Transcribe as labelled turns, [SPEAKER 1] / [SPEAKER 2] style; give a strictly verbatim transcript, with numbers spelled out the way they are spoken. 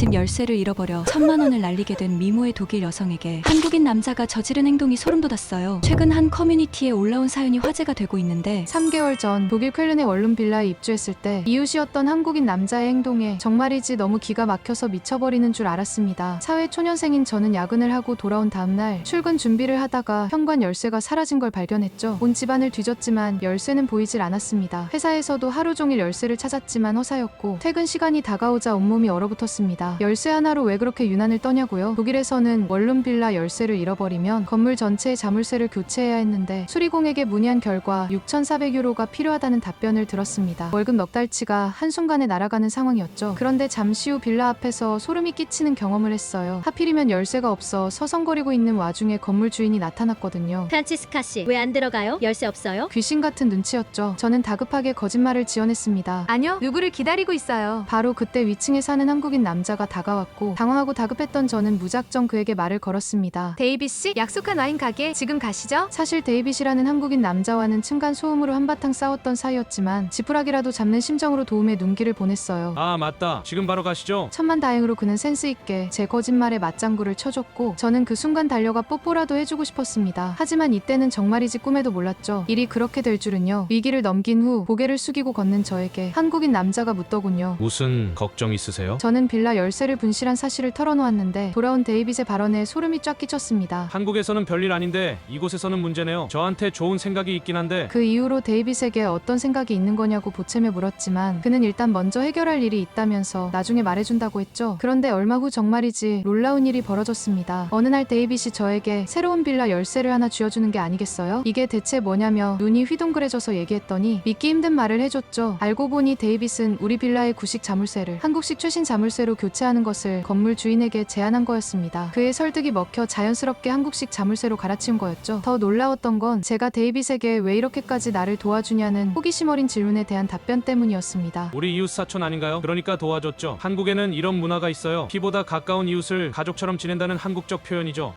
[SPEAKER 1] 집 열쇠를 잃어버려 천만 원을 날리게 된 미모의 독일 여성에게 한국인 남자가 저지른 행동이 소름 돋았어요. 최근 한 커뮤니티에 올라온 사연이 화제가 되고 있는데
[SPEAKER 2] 삼 개월 전 독일 쾰른의 원룸 빌라에 입주했을 때 이웃이었던 한국인 남자의 행동에 정말이지 너무 기가 막혀서 미쳐버리는 줄 알았습니다. 사회 초년생인 저는 야근을 하고 돌아온 다음날 출근 준비를 하다가 현관 열쇠가 사라진 걸 발견했죠. 온 집안을 뒤졌지만 열쇠는 보이질 않았습니다. 회사에서도 하루 종일 열쇠를 찾았지만 허사였고 퇴근 시간이 다가오자 온몸이 얼어붙었습니다. 열쇠 하나로 왜 그렇게 유난을 떠냐고요? 독일에서는 원룸 빌라 열쇠를 잃어버리면 건물 전체의 자물쇠를 교체해야 했는데 수리공에게 문의한 결과 육천사백 유로가 필요하다는 답변을 들었습니다. 월급 넉 달치가 한순간에 날아가는 상황이었죠. 그런데 잠시 후 빌라 앞에서 소름이 끼치는 경험을 했어요. 하필이면 열쇠가 없어 서성거리고 있는 와중에 건물 주인이 나타났거든요.
[SPEAKER 3] 프란치스카 씨, 왜 안 들어가요? 열쇠 없어요?
[SPEAKER 2] 귀신 같은 눈치였죠. 저는 다급하게 거짓말을 지어냈습니다. 아니요, 누구를 기다리고 있어요. 바로 그때 위층에 사는 한국인 남자가 다가왔고 당황하고 다급했던 저는 무작정 그에게 말을 걸었습니다. 데이빗 씨, 약속한 와인 가게 지금 가시죠? 사실 데이빗이라는 한국인 남자와는 층간 소음으로 한바탕 싸웠던 사이였지만 지푸라기라도 잡는 심정으로 도움의 눈길을 보냈어요.
[SPEAKER 4] 아 맞다, 지금 바로 가시죠.
[SPEAKER 2] 천만다행으로 그는 센스 있게 제 거짓말에 맞장구를 쳐줬고 저는 그 순간 달려가 뽀뽀라도 해주고 싶었습니다. 하지만 이때는 정말이지 꿈에도 몰랐죠. 일이 그렇게 될 줄은요. 위기를 넘긴 후 고개를 숙이고 걷는 저에게 한국인 남자가 묻더군요.
[SPEAKER 4] 무슨 걱정 있으세요?
[SPEAKER 2] 저는 빌라 열쇠를 분실한 사실을 털어놓았는데 돌아온 데이빗의 발언에 소름이 쫙 끼쳤습니다.
[SPEAKER 4] 한국에서는 별일 아닌데 이곳에서는 문제네요. 저한테 좋은 생각이 있긴 한데.
[SPEAKER 2] 그 이후로 데이빗에게 어떤 생각이 있는 거냐고 보채며 물었지만 그는 일단 먼저 해결할 일이 있다면서 나중에 말해준다고 했죠. 그런데 얼마 후 정말이지 놀라운 일이 벌어졌습니다. 어느 날 데이빗이 저에게 새로운 빌라 열쇠를 하나 쥐어주는 게 아니겠어요? 이게 대체 뭐냐며 눈이 휘둥그레져서 얘기했더니 믿기 힘든 말을 해줬죠. 알고 보니 데이빗은 우리 빌라의 구식 자물쇠를 한국식 최신 자물쇠로 교체하는 것을 건물 주인에게 제안한 거였습니다. 그의 설득이 먹혀 자연스럽게 한국식 자물쇠로 갈아치운 거였죠. 더 놀라웠던 건 제가 데이빗에게 왜 이렇게까지 나를 도와주냐는 호기심 어린 질문에 대한 답변 때문이었습니다.
[SPEAKER 4] 우리 이웃 사촌 아닌가요? 그러니까 도와줬죠. 한국에는 이런 문화가 있어요. 피보다 가까운 이웃을 가족처럼 지낸다는 한국적 표현이죠.